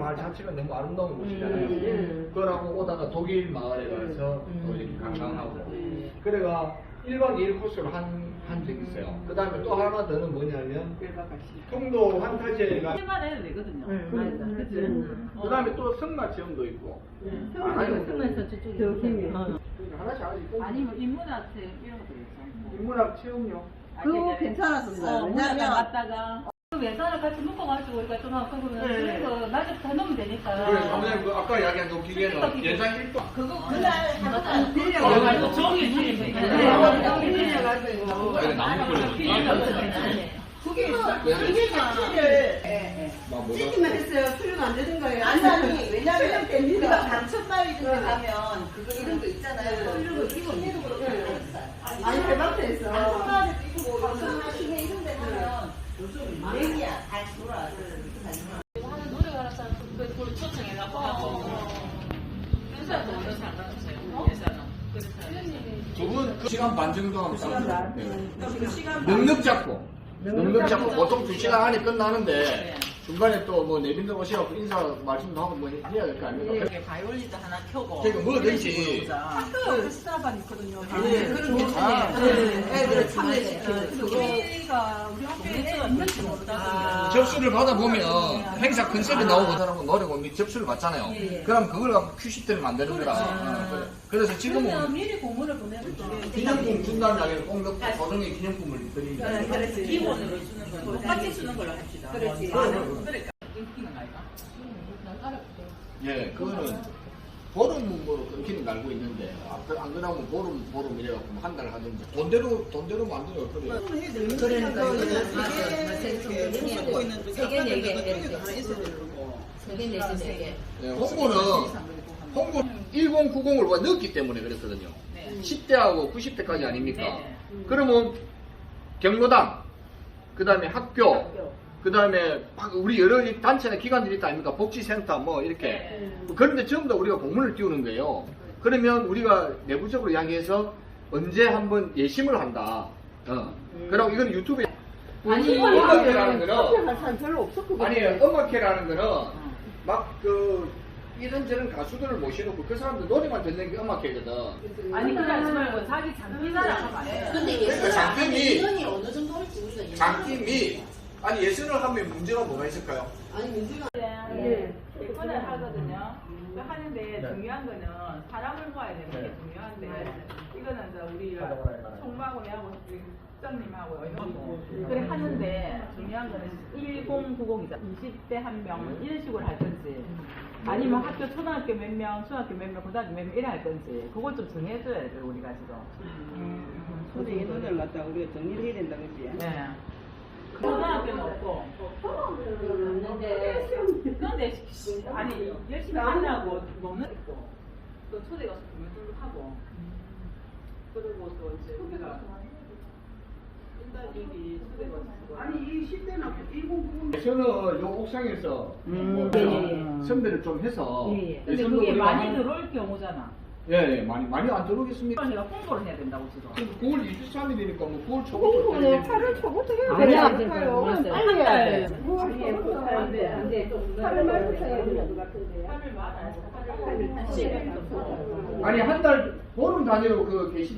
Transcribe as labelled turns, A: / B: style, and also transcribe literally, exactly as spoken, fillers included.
A: 마을 자체가 너무 아름다운 곳이잖아요.
B: 음.
A: 그러고 오다가 독일 마을에 가서 또 이렇게 관광하고. 그래가 일 박 이 일 코스로 한, 한 적이 있어요. 그 다음에 또 하나 더는 뭐냐면, 통도 환타지가.
C: 해만 해도 되거든요.
B: 맞아. 그치?
A: 그 다음에 또 성마 체험도 있고.
C: 아니, 승마에서 저쪽에.
B: 저기.
C: 어.
A: 하나씩 하나씩 꼭.
C: 아니면 인문학 이런 것도 있어.
A: 인문학 체험요.
B: 그거 괜찮았었어요.
C: 어, 문학관
B: 왜냐면
C: 갔다가 그 예산을 같이 묶어가지고 우리가 좀 하고 그러면
B: 네.
C: 그래서 낮에 더 넣으면 되니까.
A: 그래, 사무장님, 그 아까 이야기한 그 기계는 예산 일 동.
B: 그거 그날 한번
C: 그거
B: 빌려가지고
C: 말고 종이 종이
B: 네,
C: 빌려가지고.
B: 빌려가지고
A: 나무 뿌리는
B: 그게 뭐 그게 자체를
A: 막 뭐라.
B: 찍기만 했어요. 수료가 안 되는 거예요. 아니 아니 왜냐면 우리가 단체마을 이런 데 가면 그거 이런 거 있잖아요. 이런 거 이거 해도 그렇고 아니 대박에서 단체마을에도 있고 방송이나 시내 이런 데 가면 요즘 유행이야. 다 돌아.
C: 하는 노래 가라서 그걸 초청해갖고 하고. 회사도 오늘 상관없어요. 예산은.
A: 두 분 그 시간 반 정도 하면
B: 시간
A: 네.
B: 시간
A: 넉넉 잡고. 넉넉 잡고 보통 두 시간 안에 끝나는데
C: 네.
A: 중간에 또 뭐 내빈들 오시라고 인사 말씀도 하고 뭐 해야 될 거 아닙니까?
C: 이렇게 바이올린도 하나 켜고.
A: 그러니까 뭐든지.
C: 학교 스타반 있거든요.
B: 네, 그런 거 있네. 애들 참여시키는 그거.
C: 우리가 우리 학교에 있는지 모르다.
A: 접수를 받아보면 행사 컨셉이 나오고 사람은 노래고 미- 접수를 받잖아요.
B: 예, 예.
A: 그럼 그걸 갖고 큐시트를 만드는 거라. 어, 그래. 그래서 지금은
C: 미리 공문을 보내면
A: 기념품 준다는 이야기를 꼭 넣고 고등의 기념품을 드립니다.
B: 네, 그렇지.
C: 기본으로 주는 거 똑같이 주는 걸로 합시다.
B: 그렇지.
C: 그러니까 끊기는 거 아이가?
A: 예, 그거는 보름으로 끊기는 거 알고 있는데 아, 그- 안 그러면 보름 보름 이래갖고 한 달 하든지 돈대로 돈대로 만들어요. 그래요.
B: 그러니까
D: 세개 네개 세개 내지 네개
A: 예, 홍보는 홍보 천구십을 와 넣었기 때문에 그랬거든요.
C: 네.
A: 십 대하고 구십 대까지 아닙니까?
C: 네.
A: 그러면 경로당, 그 다음에 학교, 그 다음에 우리 여러 단체나 기관들이 있다 아닙니까? 복지센터 뭐 이렇게.
C: 네.
A: 그런데 전부 다 우리가 공문을 띄우는 거예요. 그러면 우리가 내부적으로 이야기해서 언제 한번 예심을 한다. 어. 그리고 이건 유튜브에
C: 아니,
A: 음악회라는 거는
B: 할 사람 별로 없었거든요.
A: 아니 음악회라는 거는 막 그 이런저런 가수들을 모셔놓고 그 사람들 노래만 듣는 게 음악회거든.
C: 아니 그게 하지 말고 자기 장비사라 하면 안 해.
D: 근데
A: 그러니까 장점이
D: 예산이 어느 정도 할지 우리가 예산
A: 장팀이 아니 예술을 하면 문제가 뭐가 있을까요?
D: 아니 문제가
C: 네. 예전에 하거든요. 그 하는데 중요한 거는 사람을 모아야 되는 게 중요한데 이거는 이제 우리 총무하고 내하고 국장님하고 그래 하는데 중요한 거는 천구십이다. 이십 대 한 명 이런 식으로 할 건지 아니면 학교 초등학교 몇 명, 중학교 몇 명, 고등학교 몇 명 이래 할 건지 그걸 좀 정해줘야 돼 우리가 지금.
B: 근데 이 노래를 갖다 우리가 정리를 해야 된다 그지?
C: 네. 초등학교는 없고.
D: 없는데
C: 그런데 아니 열심히 하려고 먹는 있고 또 초대 가서 공연도 하고 그리고 또 이제 우리가 일단 여기 초대 가서
B: 아니 이 십 대는 천구십
A: 저는 요 옥상에서
B: 음.
A: 뭐
C: 예, 예.
A: 선배를 좀 해서
C: 예예. 근데
A: 예술도
C: 그게
A: 우리가
C: 많이
A: 한-
C: 들어올 경우잖아.
A: 예, 예, 많이 많이 안 들어오겠습니까?
C: 그러니까 홍보를 해야 된다고 지금.
A: 구월 이십삼 일이니까 뭐 구월 초부터
B: 홍보는 팔월 초부터 해야
C: 아니야,
B: 될까요?
C: 한 달.
B: 구월 초부터 해야 돼. 이제 팔월 말부터 해야 되는 것 같은데요.
C: 팔을 많아요. 팔을
A: 아니 한 달 보름 단위로 그 게시